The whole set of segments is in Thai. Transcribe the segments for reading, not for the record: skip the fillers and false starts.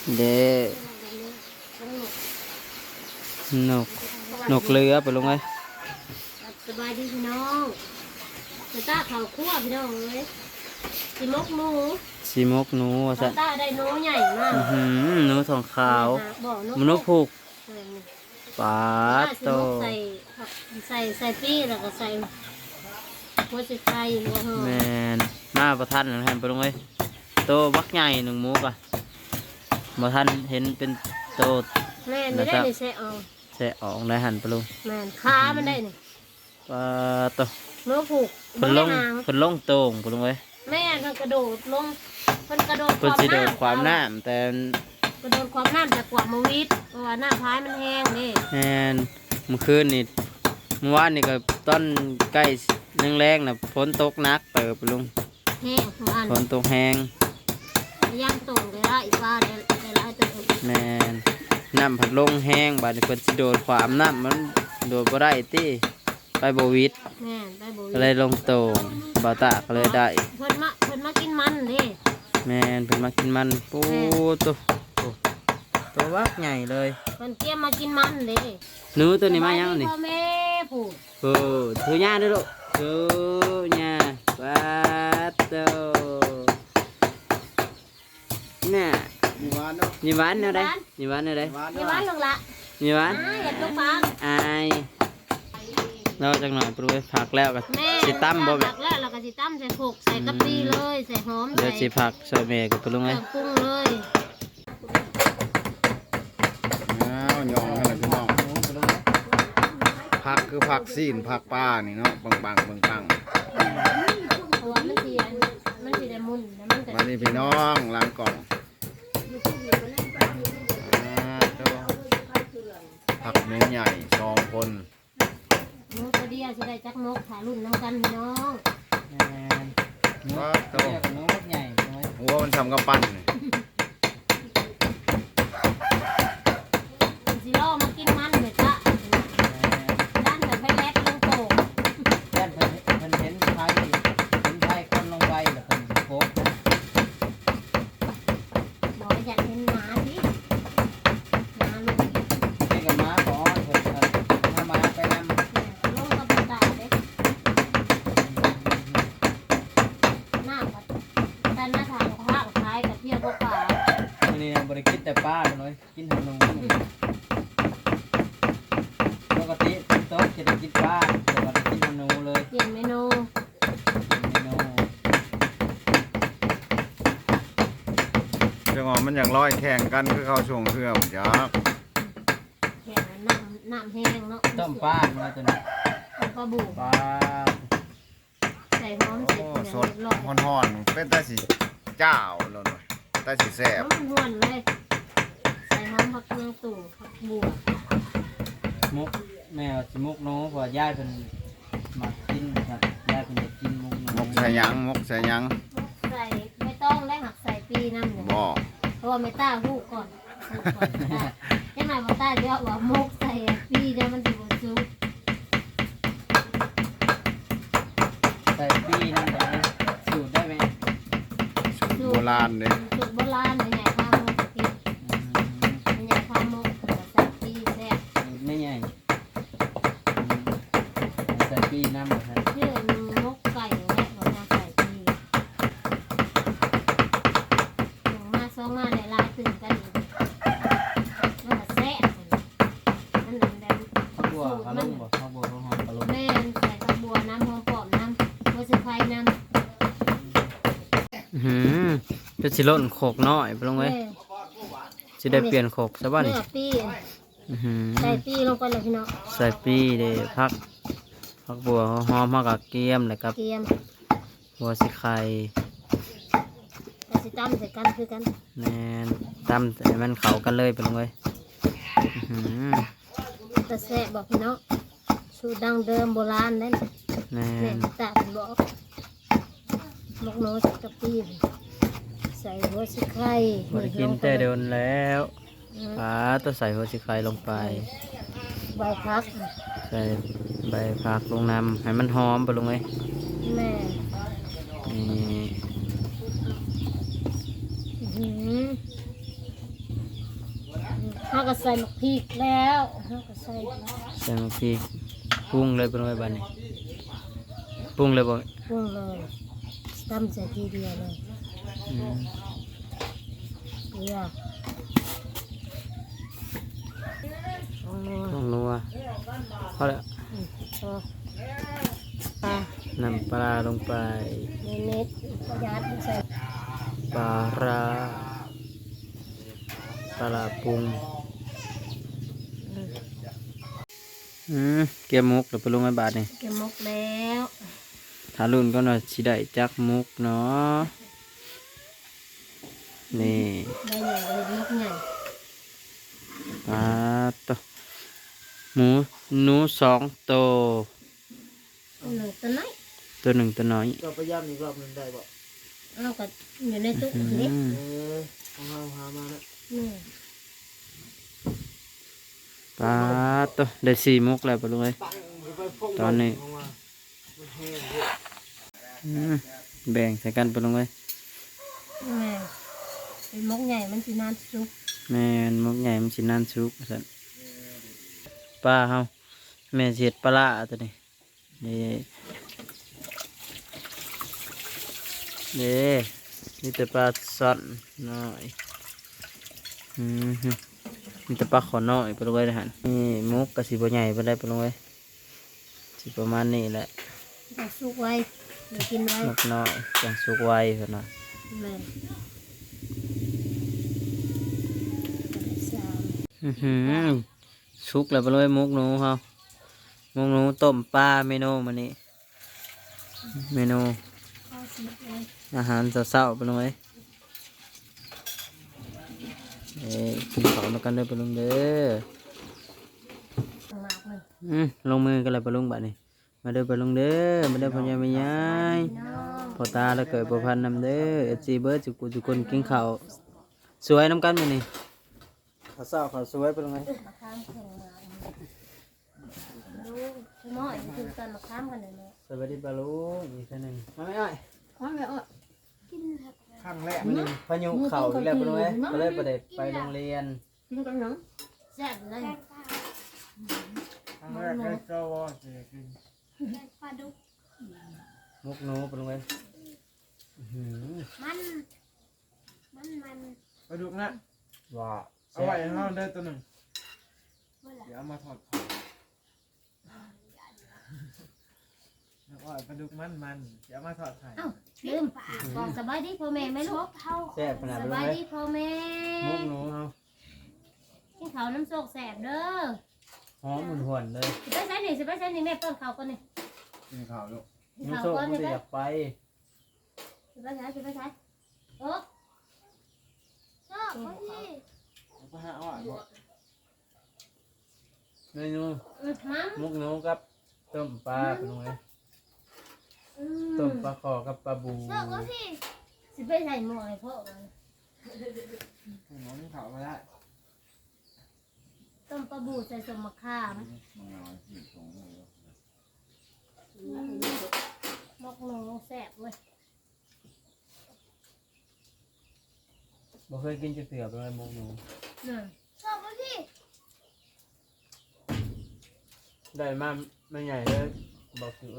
เด้นกนกเรือไปลงเลยสบายดีพี่น้องจะต้าเขาคั่วพี่น้องเลยสิมกหนูสีมกหนูจะต้าได้หนูใหญ่มากหนูทองขาวมนุษย์ผูกปลาโตใส่ปี้แล้วก็ใส่หัวใจไก่หัวหอมแมนมาประทันหนึ่งแทนไปลงเลยโตบักใหญ่หนึ่งมุกอ่ะประทันเห็นเป็นโตแม่ไม่ได้ในแซ่ออกแซ่ออกได้หันไปลงแม่ขามันได้นี่ปลาโตเนื้อผูกคนลงโต่งไปลงเลยแม่มันกระโดดลงมันกระโดดความน้ำแต่กระโดดความน้ำจากกว่ามาวิทย์เพราะว่าหน้าพายมันแห้งนี่แม่นเมื่อคืนนี่เมื่อวานนี่ก็ต้นใกล้แรงๆนะฝนตกหนักเติบลุงแห้งฝนตกแห้งย่างตรงเลยละอีกว่าได้ละตัวแม่นน้ำผัดลงแห้งบาดนี้เพิ่นสิโดดความน้ำมันโดดบ่ได้ติไปบ่วิดแม่นไปบ่วิดก็เลยลงโต่งบ่าวตาก็เลยได้เพิ่นมากินมันเด้แม่นเพิ่นมากินมันปูตัววักใหญ่เลยเพิ่นเตรียมมากินมันเด้หนูตัวนี้มายังนี่พ่อแม่ผู้ถือย่าด้วยลูกถือย่าปาโตน่ะมีหวานเนาะมีหวานแนวใดมีหวานแนวใดมีหวานลงละมีหวานอย่าตกปากอายเราจังหน่อยปรุงผักแล้วก็สิตั้มบ่แบบผักแล้วเราก็สิตั้มใส่ผกใส่กะปิเลยใส่หอมเดี๋ยวสิผักใส่เมย์กับปรุงเลยปรุงเลยยองกันเลยพี่น้องผักคือผักซีนผักปลานี่เนาะบางเพราะว่ามันสิได้มุนมานี่พี่น้องล้างกล่องผักเม็ดใหญ่2 คนนกตัวเดียวสิได้จักนกถ่ายรุ่นน้ำกันพี่น้องว่าโตนกใหญ่หัวมันทำกับปั้นสิล่อมากินมันเลยจ้ะด้านแต่ไฟแลกลงโตด้านเพิ่นเห็นไฟคนลงไปแล้วเพิ่นโคกบอกอยากเห็นหมาสิหมาลูกนี่กับม้าขอเพิ่นถ้าม้าไปนำลงกับตาเด็กหน้าปัดด้านหน้าทางข้าวท้ายกับเที่ยวพวกป่านี่บริกินแต่ป้าเลยกินขนมปกติโต๊ะจะได้กินป้าแต่ว่ากินขนมเลยเปลี่ยนเมนูจังหวะมันอย่างร้อยแข่งกันคือเขาช่วงเครื่องจ้าแข่งน้ำแห้งเนาะต้มป้ามาจนปลาบูป้าใส่หอมเสร็จสดห่อนๆเป็นตาสีเจ้าแล้วหน่อยตาสีแซ่บห่อนเลยใส่หอมผักเมืองตู่ผักบัวมุกแม่สิมุกน้องพอย่ายเป็นมากินครับย่ายเป็นจะกินมุกใส่ยังใส่ไม่ต้องและหักใส่ปีน้ำหนึ่งเพราะว่าไม่ต้าหูก่อนแค่ไหนไม่ต้าเยอะว่ามุกใส่ปีเนี่ยมันจะบดซุปใส่ปีน้ำได้สูตรได้ไหมสูตรโบราณเลยสูตรโบราณใหญ่ข้าวมุกกินใหญ่ข้าวมุกใส่ปีแซ่บไม่ใหญ่ใส่ปีน้ำครับชื่อมุกไก่และเราจะใส่ปีมาซ้อมมาในลายตื่นกันมันแซ่บมันแดงข้าวบัวข้าวลุ่มบ่ข้าวบัวข้าวหอมข้าวลุ่มแม่ใส่ข้าวบัวน้ำหอมปอมน้ำหัวสิไข่น้ำจะสิล่นโขกน้อยไปลงไว้จะได้เปลี่ยนโขกซะบ้างนี่ใส่ปีลงไปเลยพี่น้องใส่ปีเด้พักบัวหอมมากกับเกี๊ยมเลยครับบัวสิไข่แต่สิตั้มใส่กันคือกันแน่นตั้มแต่มันเข้ากันเลยไปลงเลยแต่แซ่บบอกพี่น้องสูตรดังเดิมโบราณนั่นแน่นแต่บอกมกโน้ตกับปีใส่หัวสิไข่บริกินแต่เดินแล้วต้องใส่หัวสิไข่ลงไปใบพักใส่ใบผักลงน้ำให้มันหอมไปลงเลยแม่นี่เขาก็ใส่หมกพริกแล้วเขาก็ใส่ใส่มะพริกปรุงเลยเป็นไงบ้านนี้ปรุงเลยบ่ปรุงเลยตำใส่ทีเดียวเลยอืมเกลือเอานัวต้องนัวพอแล้วพอปลาน้ำปลาลงไปเม็ดประหยัดใส่ปลาร้าปลาปรุงเกี่ยวมุกเดี๋ยวไปลงไอ้บาทนี่เก็บหมกแล้วถ้ารุ่นก็หน่อยสิได้จักมุกเนาะนี่ได้ใหญ่เลยหมกใหญ่ปลาตัวหมูหนู2 ตัวหนึ่งตัวน้อยตัว1ตัวน้อยเราไปย่ำอีกรอบหนึงได้บ่เอาก็อยู่ในตู้อืนี้มของเราหามาแล้วนี่ปลาตัวได้4 มุกแล้วไปลงเลย ตอนนี้ แบ่งใส่กันไปลงเลยแม่เป็นหมกใหญ่มันสินานสุกแม่นมุกใหญ่มันสินานสุกสั่นปลาเฮาแม่เสียดปลาร้าตัวนี้นี่นี่แต่ปลาซ่อนน้อยมีแต่ปลาขอน้อยไปลงไว้เลยฮะนี่มุกกระสีบใหญ่ไปได้ไปลงไว้สิประมาณนี้แหละต้องสุกไว้เดี๋ยวกินไว้มุกน้อยจังสุกไวเพิ่นน่ะแม่สามสุกแล้วไปลงไว้มุกหนูเฮามุกหนูต้มปลาเมนูมื้อนี้เมนูข้าวสิบเลยอาหารเช้าๆไปลงไว้กินข้าวด้วยกันเด้อไปลงเด้อหมากเลยลงมือกันเลยไปลงบัดนี้มาเด้อไปลงเด้อมาเด้อพ่อใหญ่แม่ยายน้องพ่อตาแล้วเกิดประพันธ์นำเด้อFCเบิร์ดจุกุจุกคนกินข้าวสวยน้ำกันมื้อนี้ข้าวเช้าข้าวสวยไปลงไว้มะขามแข็งมาลูกน้อยคือตอนมะขามกันเลยเนาะสวัสดีปลาลุงอีกท่านหนึ่งมาไม่อ้อยกินครับครั้งแรกมื้อนี้พายุเข่าอีกแล้วไปลงไว้ก็เลยประเด็ไปโรงเรียนกินกันเนาะแซ่บเลยครั้งแรกได้เจ้าวอเสียกินมุกหนูไปลงไว้อื้อหือมันไปดูนะว่าเอาไว้ให้เราได้ตัวหนึ่งเดี๋ยวเอามาถอดของเอาไว้ปลาดุกมันเดี๋ยวเอามาถอดไข่เอ้าลืมบอกสบายดีพ่อแม่ไหมลูกแซ่บขนาดสไปลงบายไว้ดีพ่อแม่มุกหนูเฮากินข้าวน้ำโซกแซ่บเด้อหอมหวนๆเลยสิไปใช้นี่สิไปใช้นี่แม่เปิ้ลข้าวก่อนนี่กินข้าวลูกกินมันข้าวโซ่ก่อนมันนี่จะไปอยากไปสิไปใช้สิไปใช้โอ้เอาไปหาเอาไว้บ่เมนูมัมมุกหนูกับต้มปลาไปลงไว้ต้มปลาคอกับปลาบูสิไปใส่หม้อให้พ่อมันหมอนี่เผามาได้ต้มปลาบูใส่สมมะขามมันเอาที่ตรงนี้มกหนูแซ่บเว้ยบ่เคยกินจะเสือไปเลยมุกหนูนั่นได้มาไม่ใหญ่เลยบอกคือ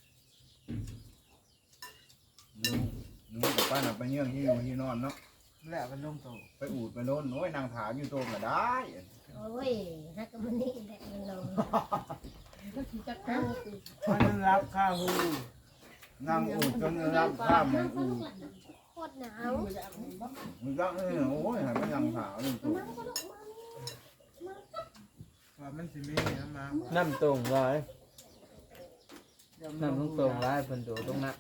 หนูกับป้าน่ะไปเยี่ยงที่อยู่ที่นอนเนาะแล้วมันลงโตไปอูดไปโน่นโอ้ยนางถามอยู่โตก็ได้โอ้ยฮักกับมันนี่แหละมันลงมันรับข้าวหูนางอูดจนรับข้ามมันอูดโคตรหนาวมันก็โอ้ยให้มันนางถามอยู่โตว่ามันสิมีน้ำมาน้ำตรงร้อยน้ำตรงร้อยเป็นตัวตรงนั้น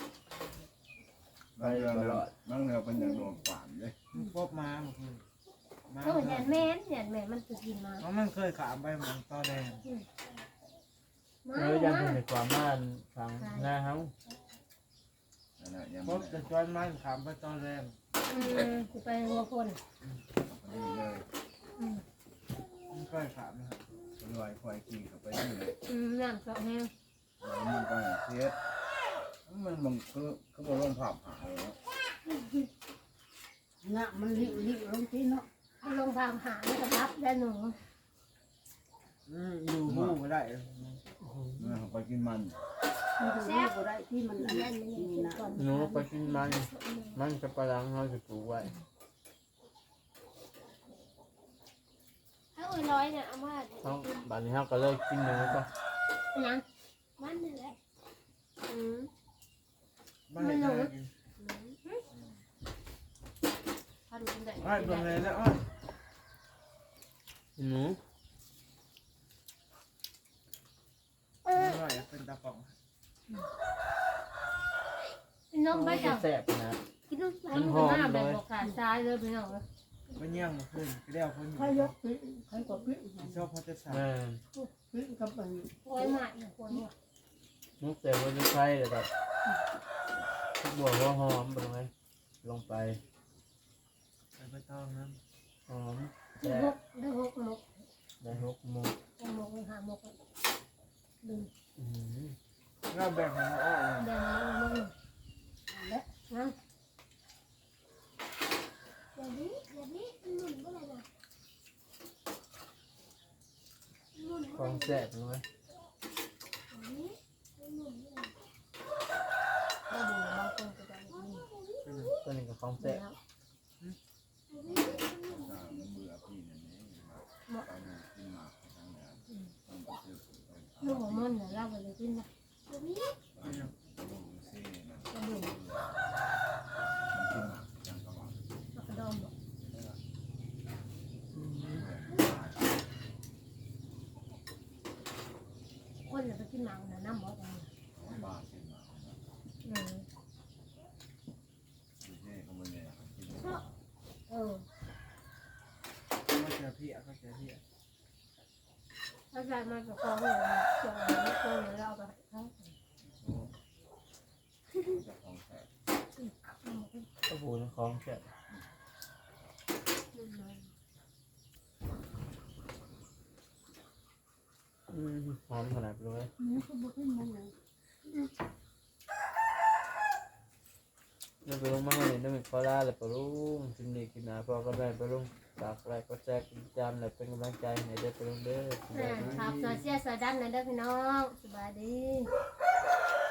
บางเรื่องบางเรื่องเป็นอย่างโดนป่านเลยมันพบมาเมื่อคืนมาโอ้ยแหนแม่นแหนแม่นมันจะกินมาเพราะมันเคยขามไปหมองตอแดงมายังเป็นความม่านฟังหน้าเฮานั่นแหละยังพบแต่จอนมันขามไปตอแดงจะไปหัวคนนี่เลยมันเคยขามนะครับลอยควายขี่เข้าไปนี่เลยน้ำสองแห้งมันก็เสียมันบางคือบ่ลงภาพหายเนาะน่ะมันริ้วลงที่เนาะเอาลงพามหาไม่กระทับได้หนูอยู่หูก็ได้ไปกินมันแซ่บก็ได้ที่มันอันนั้นนี่นะหนูไปกินมันจะปลาลังเขาจะปลูกไว้ถ้าอุ้ยร้อยเนี่ยเอามาเขาบ้านนี้เขาก็เลยกินหนูก็นะมันนี่แหละบ้านไหนจะกินพาดูกันได้อ้อยเบิ่งเลยแล้วอ้อยหนูอ้อยเป็นตาป่องน้องไปจับแซ่บนะกินน้ำมันหน้าแบบบอกขาดซ้ายเลยไปน้องเลยมันเยี่ยงมาขึ้นก็ได้เอาคนอยู่ใครยกขึ้นใครก็ขึ้นชอบเขาจะสั่งแม่ขึ้นกับมันโอ้ยหมาอีกคนว่ะมุกแต่ว่าจะใช่เลยแบบทุกบัวหัวหอมไปเลยลงไปไปต้องน้หอมได้แซ่หบกได้หกหมกได้หกมุกหมกหาหมกดึงำเราแบ่งให้อ้อยแดงแล้วมึงและนะอย่างนี้หนุนก็เลยนะหนุนของแซ่บเลยได้ดูบางคนก็จะนี่ตัวนี้ก็ของแซ่บมันเบื่อพี่นั่นเองไปกินหมากทางเหนือต้องไปซื้อลูกหมูมันเนี่ยเราไปเลยกินนะดูซินั่นกระดูกมันกินหมากจังกะว่ากระดองบอกคนจะไปกินหนังนะน้ำบอกอะไรบ้ากินหมากนะดูซิเขาไม่เนี่ยกินเออเขาเจอพี่เขาเจอพี่ถ้าใส่มากับกองเลยจงเลยกองเลยเราไปเขาจะของแท้ก็ปูนของแซ่บหอมขนาดเลยนี่ก็บุกขึ้นมันเลยเราไปลงมาให้น้ำมันคอลาเลยปะลุงกินดีกินหนาพอก็ได้ปะลุงฝากอะไรก็แซ่บจำเลยเป็นกำลังใจให้ได้ปะลุงเด้อครับโซเชียลโซดันนะเด้อพี่น้องสบายดีเ